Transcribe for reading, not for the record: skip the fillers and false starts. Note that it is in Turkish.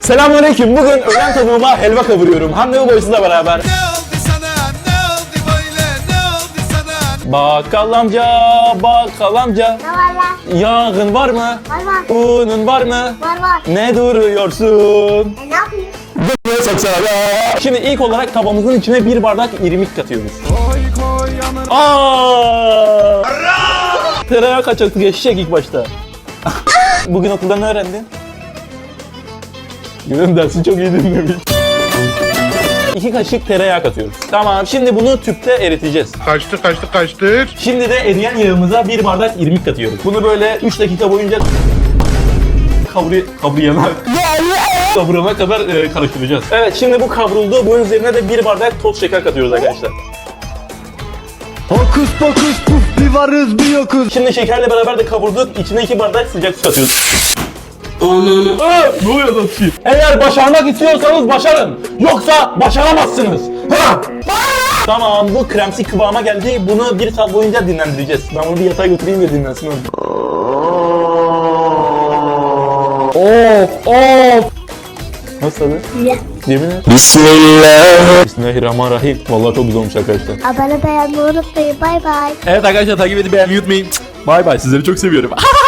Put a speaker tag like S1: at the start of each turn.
S1: Selamünaleyküm. Bugün öğlen tavuğuma helva kavuruyorum. Hande Ubaysız'la beraber. Bakkal amca, bakkal amca.
S2: Ne var lan?
S1: Yağın var mı?
S2: Var var.
S1: Unun var mı?
S2: Var var.
S1: Ne duruyorsun?
S2: Ne yapayım?
S1: Şimdi ilk olarak tavamızın içine bir bardak irmik katıyoruz. Aa! Tereyağı kaçaktı geçecek ilk başta. Bugün okulda ne öğrendin? Gülüm dersi çok iyi dinlemiş. 2 kaşık tereyağı katıyoruz. Tamam, şimdi bunu tüpte eriteceğiz.
S3: Kaçtır.
S1: Şimdi de eriyen yağımıza bir bardak irmik katıyoruz. Bunu böyle 3 dakika boyunca kavurana kadar karıştıracağız. Evet, şimdi bu kavruldu. Bunun üzerine de bir bardak toz şeker katıyoruz arkadaşlar.
S4: Hokus pokus puf bir varız bir yokuz.
S1: Şimdi şekerle beraber de kavurduk. İçine 2 bardak sıcak su katıyoruz. Ne oluyor lan şey? Eğer başarmak istiyorsanız başarın. Yoksa başaramazsınız. Ha! Tamam, bu kremsi kıvama geldi. Bunu 1 saat boyunca dinlendireceğiz. Ben bunu bir yatağa götüreyim de dinlensin orada. Of! Nasıl tadı?
S2: Güzel.
S1: Yemin et. Bismillahirrahmanirrahim. Vallahi çok güzel olmuş arkadaşlar.
S2: Abone beğenmeyi unutmayın. Bay bay.
S1: Evet arkadaşlar, takip edip beğenmeyi unutmayın. Bay bay, sizleri çok seviyorum.